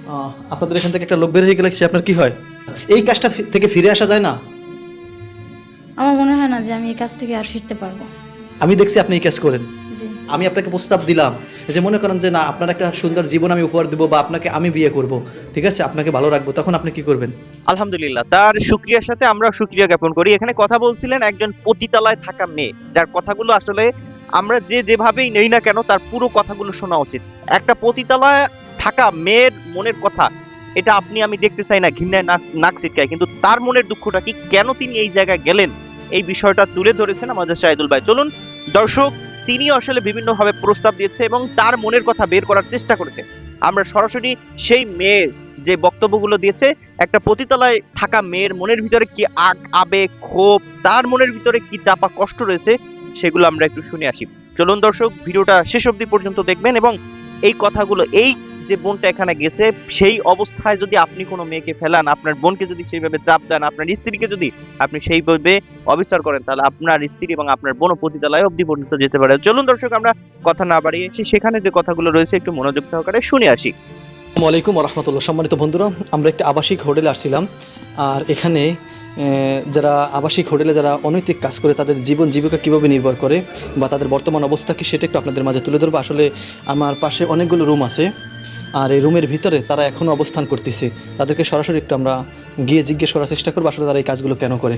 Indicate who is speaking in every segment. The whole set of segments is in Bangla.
Speaker 1: আপনাদের এখান থেকে একটা লোক বের হয়ে গেলে সে আপনার কি হয়? এই কাজটা থেকে ফিরে আসা যায় না?
Speaker 2: আমার মনে হয় না যে আমি এই কাজ থেকে আর ফিরতে পারবো।
Speaker 1: আমি দেখছি আপনি এই কাজ করেন।
Speaker 2: জি।
Speaker 1: আমি আপনাকে প্রস্তাব দিলাম যে মনে করেন যে না, আপনার একটা সুন্দর জীবন আমি উপহার দেবো বা আপনাকে আমি বিয়ে করব, ঠিক আছে, আপনাকে ভালো রাখবো, তখন আপনি কি করবেন?
Speaker 3: আলহামদুলিল্লাহ, তার শুকরিয়ার সাথে আমরা শুকরিয়া জ্ঞাপন করি। এখানে কথা বলছিলেন একজন পতিতালয় থাকা মেয়ে, যার কথাগুলো আসলে আমরা যেভাবেই নেই না কেন তার পুরো কথাগুলো শোনা উচিত। একটা পতিতালয় থাকা মেয়ের মনের কথা, এটা আপনি আমি দেখতে চাই না, ঘৃণায় নাক ছিটকায়, কিন্তু তার মনের দুঃখটা কি, কেন তিনি এই জায়গায় গেলেন, এই বিষয়টা তুলে ধরেছেন আমাদের শাহিদুল ভাই। চলুন দর্শক, তিনি আসলে বিভিন্নভাবে প্রস্তাব দিয়েছে এবং তার মনের কথা বের করার চেষ্টা করেছে। আমরা সরাসরি সেই মেয়ের যে বক্তব্যগুলো দিয়েছে, একটা পতিতালয়ে থাকা মেয়ের মনের ভিতরে কি আবেগ, ক্ষোভ, তার মনের ভিতরে কি চাপা কষ্ট রয়েছে, সেগুলো আমরা একটু শুনে আসি। চলুন দর্শক, ভিডিওটা শেষ অবধি পর্যন্ত দেখবেন এবং এই কথাগুলো, এই যে বোনটা এখানে গেছে সেই অবস্থায় যদি আপনি কোনো মেয়েকে ফেলান, আপনার বোনকে যদি সেইভাবে চাপ দেন, আপনার স্ত্রীকে যদি আপনি সেইভাবে অবিচার করেন, তাহলে আপনার স্ত্রী এবং আপনার বোন পতিতালয় অবধি পর্যন্ত যেতে পারে। চলুন দর্শক, আমরা কথা না বাড়িয়ে সেখানে যে কথাগুলো রয়েছে একটু মনোযোগ সহকারে শুনে আসি।
Speaker 1: আসসালামু আলাইকুম ওয়া রাহমাতুল্লাহ। সম্মানিত বন্ধুরা, আমরা একটা আবাসিক হোটেলে আসছিলাম, আর এখানে যারা আবাসিক হোটেলে যারা অনৈতিক কাজ করে তাদের জীবন জীবিকা কীভাবে নির্ভর করে বা তাদের বর্তমান অবস্থা কি, সেটা একটু আপনাদের মাঝে তুলে ধরবো। আসলে আমার পাশে অনেকগুলো রুম আছে, আর এই রুমের ভিতরে তারা এখনও অবস্থান করতেছে। তাদেরকে সরাসরি একটু আমরা গিয়ে জিজ্ঞেস করার চেষ্টা করবো আসলে তারা এই কাজগুলো কেন করে।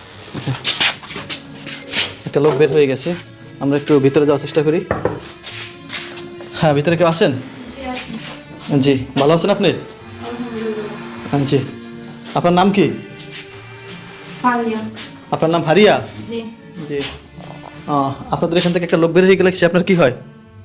Speaker 1: একটা লোক বের হয়ে গেছে, আমরা একটু ভিতরে যাওয়ার চেষ্টা করি। হ্যাঁ, ভিতরে কেউ আছেন? জি, ভালো আছেন আপনি? হ্যাঁ জি। আপনার নাম কি?
Speaker 2: ফারিয়া।
Speaker 1: আপনার নাম ফারিয়া?
Speaker 2: জি।
Speaker 1: জি। আপনাদের এখান থেকে একটা লোক বের হয়ে গেলে সে আপনার কি হয়?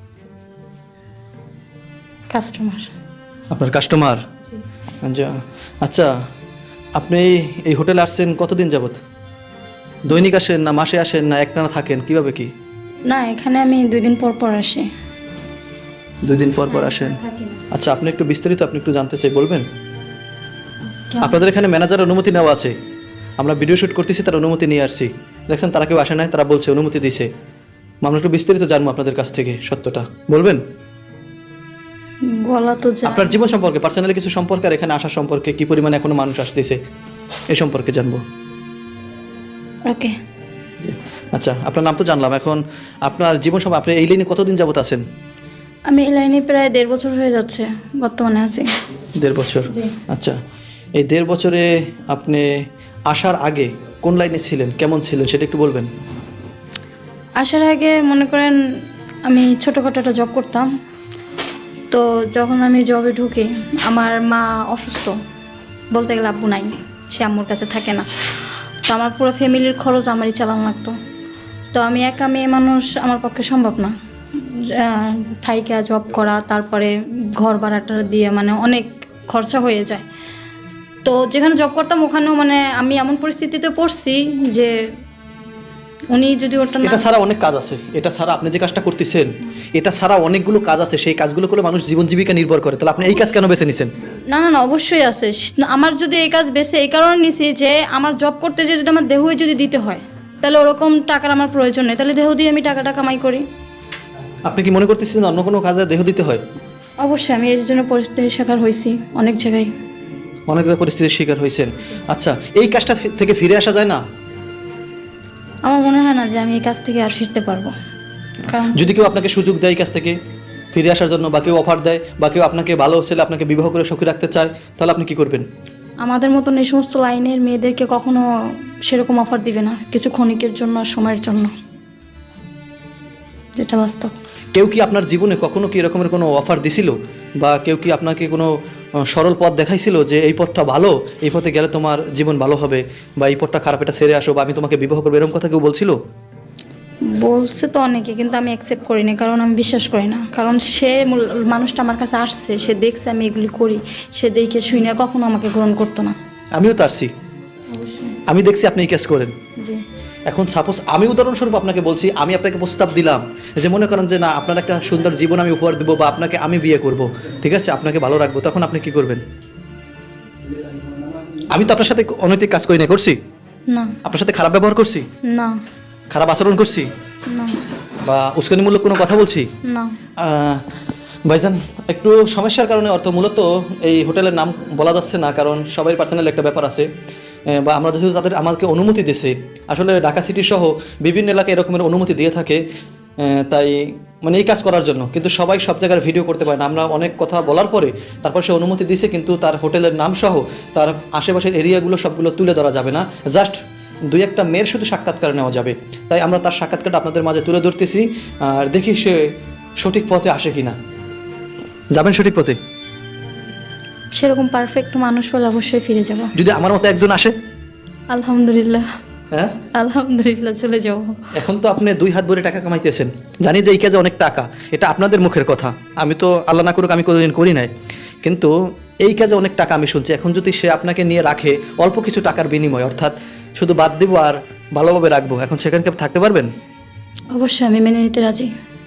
Speaker 2: কাস্টমার।
Speaker 1: আপনার কাস্টমার?
Speaker 2: জি।
Speaker 1: আচ্ছা, আপনি এই হোটেলে আসছেন কতদিন যাবত? দৈনিক আসেন না মাসে আসেন না একটানা থাকেন, কিভাবে কি?
Speaker 2: না, এখানে আমি 2 দিন পর পর আসি।
Speaker 1: 2 দিন পর পর আসেন?
Speaker 2: থাকি না।
Speaker 1: আচ্ছা, আপনি একটু বিস্তারিত আপনি একটু জানতে চাই, বলবেন?
Speaker 2: কেন?
Speaker 1: আপনাদের এখানে ম্যানেজার অনুমতি নেওয়া আছে, আমরা ভিডিও শুট করতেছি, তার অনুমতি নিয়ে আসছি। দেখছেন তারা কেউ আসে নাই, তারা বলছে অনুমতি দিয়েছে। আমরা একটু বিস্তারিত জানবো আপনাদের কাছ থেকে, সত্যটা বলবেন?
Speaker 2: বলা তো যায়।
Speaker 1: আপনার জীবন সম্পর্কে, পার্সোনালি কিছু সম্পর্কে, আর এখানে আসা সম্পর্কে, কি পরিমাণে এখনো মানুষ আসতেছে এই সম্পর্কে জানবো।
Speaker 2: ওকে।
Speaker 1: আচ্ছা, আপনার নাম তো জানলাম, এখন আপনার জীবন সম্পর্কে, আপনি এই লাইনে কতদিন যাবত আছেন?
Speaker 2: আমি এই লাইনে প্রায় 1.5 বছর হয়ে যাচ্ছে, বর্তমানে আছি।
Speaker 1: 1.5 বছর?
Speaker 2: জি।
Speaker 1: আচ্ছা, এই 1.5 বছরে আপনি আসার আগে কোন লাইনে ছিলেন, কেমন ছিলেন, সেটা একটু বলবেন?
Speaker 2: আসার আগে মনে করেন আমি ছোটোখাটো একটা জব করতাম। তো যখন আমি জবে ঢুকি, আমার মা অসুস্থ, বলতে গেলে আব্বু নাই, সে আম্মুর কাছে থাকে না। তো আমার পুরো ফ্যামিলির খরচ আমারই চালানো লাগতো। তো আমি একা মেয়ে মানুষ, আমার পক্ষে সম্ভব না থাইকা জব করা, তারপরে ঘর ভাড়াটা দিয়ে মানে অনেক খরচা হয়ে যায়। তো যেখানে জব করতাম ওখানেও মানে আমি এমন পরিস্থিতিতে পড়ছি যে উনি যদি ওটা না,
Speaker 1: এটা ছাড়া অনেক কাজ আছে, এটা ছাড়া আপনি যে কাজটা করতেছেন, এটা ছাড়া অনেকগুলো কাজ আছে, সেই কাজগুলো করে মানুষ জীবন জীবিকা নির্ভর করে। তাহলে আপনি এই কাজ কেন বেছে নিছেন?
Speaker 2: না না না, অবশ্যই আছে। আমার যদি এই কাজ বেছে এই কারণে নিছি যে আমার জব করতে যে যদি আমার দেহই যদি দিতে হয়, তাহলে ওরকম টাকার আমার প্রয়োজন নেই, তাহলে দেহ দিয়ে আমি টাকাটা কামাই করি।
Speaker 1: আপনি কি মনে করতেছেন অন্য কোনো কাজে দেহ দিতে হয়?
Speaker 2: অবশ্যই আমি এর জন্য পরিস্থিতির শিকার হয়েছি অনেক জায়গায়।
Speaker 1: অনেক জায়গায় পরিস্থিতির শিকার হয়েছেন। আচ্ছা, এই কাজটা থেকে ফিরে আসা যায় না?
Speaker 2: আমার মনে হয় না যে আমি এই কাজ থেকে আর ফিরতে পারবো। কারণ
Speaker 1: যদি কেউ আপনাকে সুযোগ দেয় এই কাজ থেকে ফিরে আসার জন্য, বা কেউ অফার দেয়, বা কেউ আপনাকে ভালো ছেলে আপনাকে বিবাহ করে সুখী রাখতে চায়, তাহলে আপনি কি করবেন?
Speaker 2: আমাদের মতন এই সমস্ত লাইনের মেয়েদেরকে কখনো সেরকম অফার দিবে না, কিছু ক্ষণিকের জন্য, সময়ের জন্য, যেটা বাস্তব।
Speaker 1: কেউ কি আপনার জীবনে কখনো কি এরকমের কোনো অফার দিছিল, বা কেউ কি আপনাকে কোনো সরল পথ দেখাইছিল যে এই পথটা ভালো, এই পথে গেলে তোমার জীবন ভালো হবে, বা এই পথটা খারাপ, এটা ছেড়ে আসো, বা আমি তোমাকে বিবাহ করবো, এরকম কথা কেউ বলছিল?
Speaker 2: বলছে তো অনেকে, কিন্তু আমি অ্যাকসেপ্ট করিনি, কারণ আমি বিশ্বাস করি না। কারণ সে মানুষটা আমার কাছে আসছে, সে দেখছে আমি এগুলি করি, সে দেখে শুনে কখনো আমাকে গ্রহণ করতো না।
Speaker 1: আমিও তো আসছি, আমি দেখছি আপনি এই কাজ করেন।
Speaker 2: জি।
Speaker 1: এখন সাপোজ আমি উদাহরণস্বরূপ আপনাকে বলছি, আমি আপনাকে প্রস্তাব দিলাম যে মনে করেন যে না, আপনার একটা সুন্দর জীবন আমি উপহার দেবো বা আপনাকে আমি বিয়ে করব, ঠিক আছে, আপনাকে ভালো রাখবো, তখন আপনি কি করবেন? আমি তো আপনার সাথে অনৈতিক কাজ করি না, করছি?
Speaker 2: না
Speaker 1: আপনার সাথে খারাপ ব্যবহার করছি,
Speaker 2: না
Speaker 1: খারাপ আচরণ করছি,
Speaker 2: না
Speaker 1: বা উস্কানিমূলক কোনো কথা বলছি?
Speaker 2: না।
Speaker 1: ভাইজান, একটু সমস্যার কারণে অর্থ মূলত এই হোটেলের নাম বলা যাচ্ছে না, কারণ সবাই পার্সোনাল একটা ব্যাপার আছে, বা আমরা যেহেতু তাদের আমাদেরকে অনুমতি দিয়েছে, আসলে ঢাকা সিটি সহ বিভিন্ন এলাকায় এরকমের অনুমতি দিয়ে থাকে, তাই মানে এই কাজ করার জন্য, কিন্তু সবাই সব জায়গায় ভিডিও করতে পারে না। আমরা অনেক কথা বলার পরে তারপর সে অনুমতি দিয়েছে, কিন্তু তার হোটেলের নাম সহ তার আশেপাশের এরিয়াগুলো সবগুলো তুলে ধরা যাবে না, জাস্ট দুই একটা মেয়ের শুধু সাক্ষাৎকার নেওয়া যাবে। তাই আমরা তার সাক্ষাৎকারটা আপনাদের মাঝে তুলে ধরতেছি, আর দেখি সে সঠিক পথে আসে কিনা। যাবেন সঠিক পথে?
Speaker 2: সেরকম পারফেক্ট মানুষ হলে অবশ্যই ফিরে যাব।
Speaker 1: যদি আমার মতো একজন আসে?
Speaker 2: আলহামদুলিল্লাহ,
Speaker 1: হ্যাঁ,
Speaker 2: আলহামদুলিল্লাহ চলে যাব।
Speaker 1: এখন তো আপনি 2 হাত ভরে টাকা কামাইতেছেন, জানি যে এই কাজে অনেক টাকা, এটা আপনাদের মুখের কথা, আমি তো আল্লাহ না করুক আমি কোনোদিন করি নাই, কিন্তু এই কাজে অনেক টাকা আমি শুনছি। এখন যদি সে আপনাকে নিয়ে রাখে অল্প কিছু টাকার বিনিময়, অর্থাৎ শুধু বাদ দিব আর ভালোভাবে রাখবো, এখন সেখানে কি আপনি থাকতে পারবেন?
Speaker 2: অবশ্যই আমি মেনে নিতে রাজি।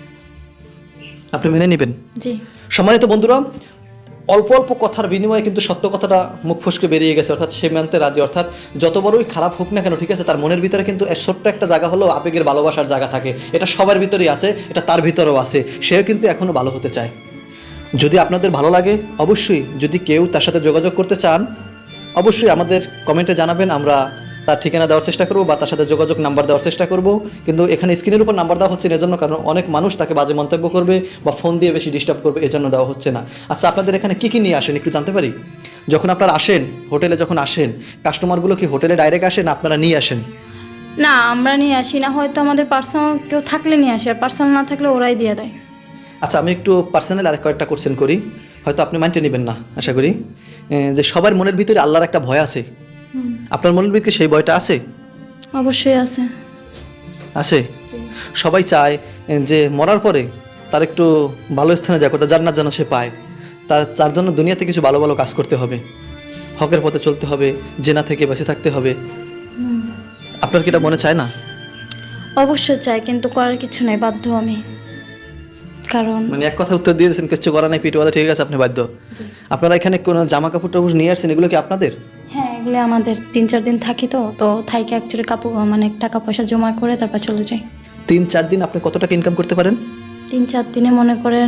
Speaker 1: আপনি মেনে নেবেন?
Speaker 2: জি।
Speaker 1: সম্মানিত বন্ধুরা, অল্প অল্প কথার বিনিময়ে কিন্তু সত্য কথাটা মুখ ফসকে বেরিয়ে গেছে, অর্থাৎ সে মানতে রাজি। অর্থাৎ যত বড়ই খারাপ হোক না কেন, ঠিক আছে, তার মনের ভিতরে কিন্তু ছোট্ট একটা জায়গা হলো আবেগের ভালোবাসার জায়গা থাকে, এটা সবার ভিতরেই আছে, এটা তার ভিতরেও আছে, সেও কিন্তু এখনও ভালো হতে চায়। যদি আপনাদের ভালো লাগে, অবশ্যই যদি কেউ তার সাথে যোগাযোগ করতে চান, অবশ্যই আমাদের কমেন্টে জানাবেন, আমরা তার ঠিকানা দেওয়ার চেষ্টা করবো বা তার সাথে যোগাযোগ নাম্বার দেওয়ার চেষ্টা করব। কিন্তু এখানে স্ক্রিনের উপর নাম্বার দেওয়া হচ্ছে না এজন্য, কারণ অনেক মানুষ তাকে বাজে মন্তব্য করবে বা ফোন দিয়ে বেশি ডিস্টার্ব করবে, এজন্য দেওয়া হচ্ছে না। আচ্ছা, আপনাদের এখানে কী কী নিয়ে আসেন একটু জানতে পারি? যখন আপনারা আসেন হোটেলে, যখন আসেন কাস্টমারগুলো কি হোটেলে ডাইরেক্ট আসেন, আপনারা নিয়ে আসেন?
Speaker 2: না, আমরা নিয়ে আসি না, হয়তো আমাদের পার্সোনাল কেউ থাকলে নিয়ে আসি, আর পার্সোনাল না থাকলে ওরাই দিয়ে দেয়।
Speaker 1: আচ্ছা, আমি একটু পার্সোনাল আর কয়েকটা কোশ্চেন করি, হয়তো আপনি মাইন্ডে নেবেন না আশা করি। যে সবার মনের ভিতরে আল্লাহর একটা ভয় আছে, আপনার মনের ভিতরে সেই ভয়টা আছে?
Speaker 2: অবশ্যই আছে।
Speaker 1: আছে? সবাই চায় যে মরার পরে তার একটু ভালো স্থানে যা করতে, জান্নাত যেন সে পায়, তার জন্য দুনিয়াতে কিছু ভালো ভালো কাজ করতে হবে, হকের পথে চলতে হবে, জেনা থেকে বেঁচে থাকতে হবে। আপনার কি এটা মনে চায় না?
Speaker 2: অবশ্যই চাই, কিন্তু করার কিছু নেই, বাধ্য আমি। কারণ
Speaker 1: মানে এক কথা উত্তর দিয়েছেন, কিছু করা নাই, পিঠে ঠিক আছে, আপনি বাধ্য। আপনারা এখানে কোনো জামা কাপড় টাপড় নিয়ে আসছেন, এগুলো কি আপনাদের?
Speaker 2: হ্যাঁ, এগুলো আমাদের 3-4 দিন থাকি, তো থাইকে অ্যাকচুয়ালি কাপড় মানে টাকা পয়সা জমা করে তারপর চলে যাই।
Speaker 1: 3-4 দিন আপনি কত টাকা ইনকাম করতে পারেন?
Speaker 2: 3-4 দিনে মনে করেন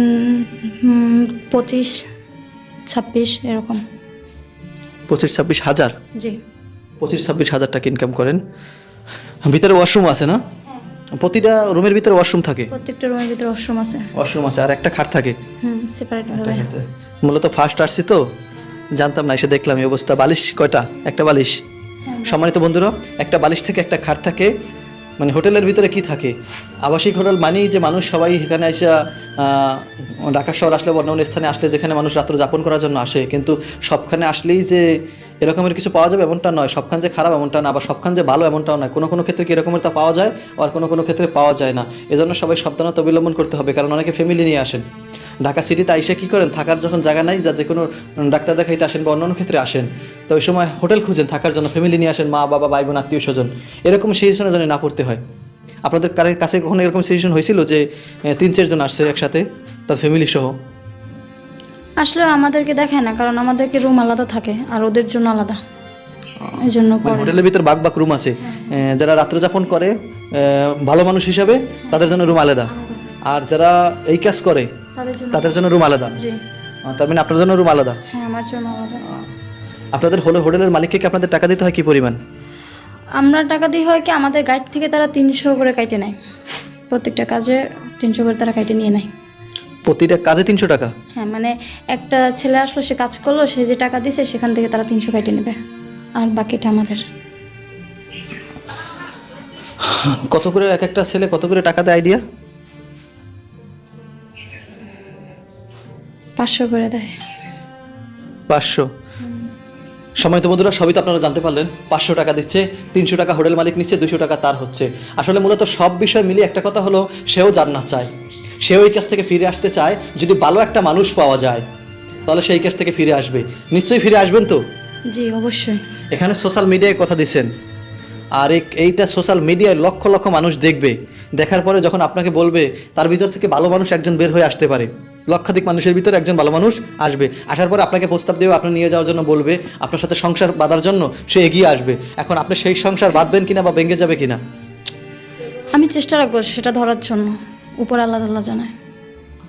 Speaker 2: 25-26 এরকম।
Speaker 1: 25-26 হাজার?
Speaker 2: জি।
Speaker 1: 25-26 হাজার টাকা ইনকাম করেন। ভিতরে ওয়াশরুম আছে না? প্রতিটা রুমের ভিতরে ওয়াশরুম থাকে?
Speaker 2: প্রত্যেকটা রুমের ভিতরে ওয়াশরুম আছে।
Speaker 1: ওয়াশরুম আছে, আর একটা খাট থাকে?
Speaker 2: সেপারেট ভাবে।
Speaker 1: মূলত ফার্স্ট আসছি তো জানতাম না, এসে দেখলাম এই অবস্থা। বালিশ কয়টা? একটা বালিশ? সম্মানিত বন্ধুরা, একটা বালিশ থেকে একটা খাট থাকে। মানে হোটেলের ভিতরে কি থাকে, আবাসিক হোটেল মানেই যে মানুষ সবাই এখানে এসে ঢাকা শহর আসলে বা অন্য স্থানে আসলে যেখানে মানুষ রাত্র যাপন করার জন্য আসে, কিন্তু সবখানে আসলেই যে এরকমের কিছু পাওয়া যাবে এমনটা নয়, সবখান যে খারাপ এমনটা না, আবার সবখান যে ভালো এমনটাও নয়। কোনো কোনো ক্ষেত্রে কি এরকমের তা পাওয়া যায়, আর কোনো কোনো ক্ষেত্রে পাওয়া যায় না। এজন্য সবাই সাবধানতা অবলম্বন করতে হবে, কারণ অনেকে ফ্যামিলি নিয়ে আসেন ঢাকা সিটিতে, আইসে কী করেন, থাকার যখন জায়গা নাই, যা যে কোনো ডাক্তার দেখাইতে আসেন বা অন্যান্য ক্ষেত্রে আসেন, তো ওই সময় হোটেল খুঁজেন থাকার জন্য, ফ্যামিলি নিয়ে আসেন, মা বাবা ভাই বোন আত্মীয় স্বজন, এরকম সিচুয়েশনে যেন না পড়তে হয়। আপনাদের কাছে কখনো এরকম সিচুয়েশন হয়েছিল যে 3-4 জন আসছে একসাথে, তার ফ্যামিলি সহ?
Speaker 2: আসলে আমাদেরকে দেখায় না, কারণ আমাদেরকে রুম আলাদা থাকে আর ওদের জন্য আলাদা, এই জন্য
Speaker 1: হোটেলের ভিতর বাক বাক রুম আছে, যারা রাত্র যাপন করে ভালো মানুষ হিসাবে তাদের জন্য রুম আলাদা, আর যারা এই কাজ করে তাদের জন্য রুম আলাদা।
Speaker 2: জি।
Speaker 1: তার মানে আপনার জন্য রুম আলাদা?
Speaker 2: হ্যাঁ, আমার জন্য আলাদা। আপনাদের
Speaker 1: হোটেলের মালিককে কি আপনাদের টাকা দিতে হয় কি পরিমাণ?
Speaker 2: আমরা টাকা দিই হয় কি, আমাদের গাইড থেকে তারা 300 করে কাইটে নেয়, প্রত্যেকটা কাজে 300 করে তারা কাইটে নিয়ে নেয়।
Speaker 1: প্রতিটা কাজে 300 টাকা?
Speaker 2: হ্যাঁ, মানে একটা ছেলে আসলো, সে কাজ করলো, সে যে টাকা দিছে সেখান থেকে তারা 300 কাইটে নেবে, আর বাকিটা আমাদের।
Speaker 1: কত করে এক একটা ছেলে কত করে টাকা দেয় আইডিয়া?
Speaker 2: 500 করে দেয়।
Speaker 1: 500? সময় তো বন্ধুরা, সবই তো আপনারা জানতে পারলেন। 500 টাকা দিচ্ছে, 300 টাকা হোটেল মালিক নিচ্ছে, 200 টাকা তার হচ্ছে। আসলে মূলত সব বিষয় মিলিয়ে একটা কথা হলো, সেও জান্নাত চায়, সেও এই কাছ থেকে ফিরে আসতে চায়। যদি ভালো একটা মানুষ পাওয়া যায় তাহলে সেই কাছ থেকে ফিরে আসবে। নিশ্চয়ই ফিরে আসবেন তো?
Speaker 2: জি, অবশ্যই।
Speaker 1: এখানে সোশ্যাল মিডিয়ায় কথা দিচ্ছেন, আর এইটা সোশ্যাল মিডিয়ায় লক্ষ লক্ষ মানুষ দেখবে, দেখার পরে যখন আপনাকে বলবে, তার ভিতর থেকে ভালো মানুষ একজন বের হয়ে আসতে পারে, লক্ষাধিক মানুষের ভিতরে একজন ভালো মানুষ আসবে, আসার পরে আপনাকে প্রস্তাব দেবে, আপনি নিয়ে যাওয়ার জন্য বলবে, আপনার সাথে সংসার বাঁধার জন্য সে এগিয়ে আসবে। এখন আপনি সেই সংসার বাঁধবেন কিনা বা ভেঙে যাবে কিনা?
Speaker 2: আমি চেষ্টা রাখবো সেটা ধরার জন্য, উপর আল্লাহ আল্লাহ জানায়।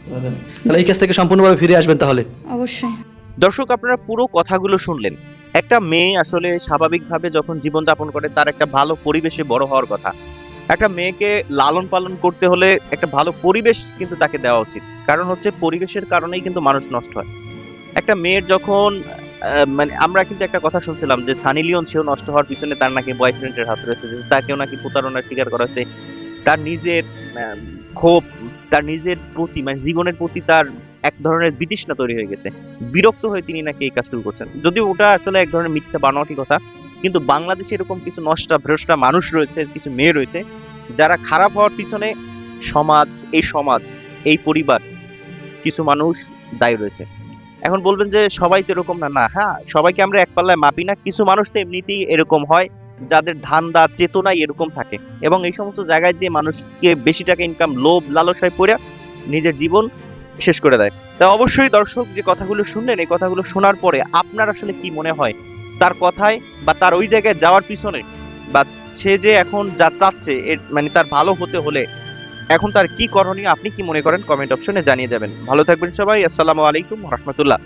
Speaker 1: তাহলে এই কাজ থেকে সম্পূর্ণভাবে ফিরে আসবেন তাহলে?
Speaker 2: অবশ্যই।
Speaker 3: দর্শক, আপনারা পুরো কথাগুলো শুনলেন। একটা মেয়ে আসলে স্বাভাবিকভাবে যখন জীবনযাপন করে তার একটা ভালো পরিবেশে বড় হওয়ার কথা। একটা মেয়েকে লালন পালন করতে হলে একটা ভালো পরিবেশ কিন্তু তাকে দেওয়া উচিত, কারণ হচ্ছে পরিবেশের কারণেই কিন্তু মানুষ নষ্ট হয়। একটা মেয়ের যখন মানে আমরা কিন্তু একটা কথা শুনছিলাম যে সানি লিওন সেও নষ্ট হওয়ার পিছনে তার নাকি বয়ফ্রেন্ডের হাত রয়েছে, যে তাকেও নাকি প্রতারণার শিকার করা হয়েছে। তার নিজের ক্ষোভ, তার নিজের প্রতি মানে জীবনের প্রতি তার এক ধরনের বিতৃষ্ণা তৈরি হয়ে গেছে, বিরক্ত হয়ে তিনি নাকি এই কাজ শুরু করছেন। যদিও ওটা আসলে এক ধরনের মিথ্যা বানোয়াটি কথা, কিন্তু বাংলাদেশে এরকম কিছু নষ্টা ভ্রষ্টা মানুষ রয়েছে, কিছু মেয়ে রয়েছে যারা খারাপ হওয়ার পিছনে সমাজ, এই পরিবার, কিছু মানুষ দায়ী রয়েছে। এখন বলবেন যে সবাই তো এরকম না, না, হ্যাঁ, সবাইকে আমরা এক পাল্লায় মাপি না। কিছু মানুষ তো এমনিতেই এরকম হয়, যাদের ধান্দা চেতনাই এরকম থাকে, এবং এই সমস্ত জায়গায় যে মানুষকে বেশি টাকা ইনকাম, লোভ লালসায় পড়ে নিজের জীবন শেষ করে দেয়। তা অবশ্যই দর্শক, যে কথাগুলো শুনলেন, এই কথাগুলো শোনার পরে আপনার আসলে কি মনে হয় তার কথায়, বা তার ওই জায়গায় যাওয়ার পিছনে, বা সে যে এখন যা চাচ্ছে মানে তার ভালো হতে হলে এখন তার কি করণীয়, আপনি কি মনে করেন কমেন্ট অপশনে জানিয়ে যাবেন। ভালো থাকবেন সবাই। আসসালামু আলাইকুম ওয়া রাহমাতুল্লাহ।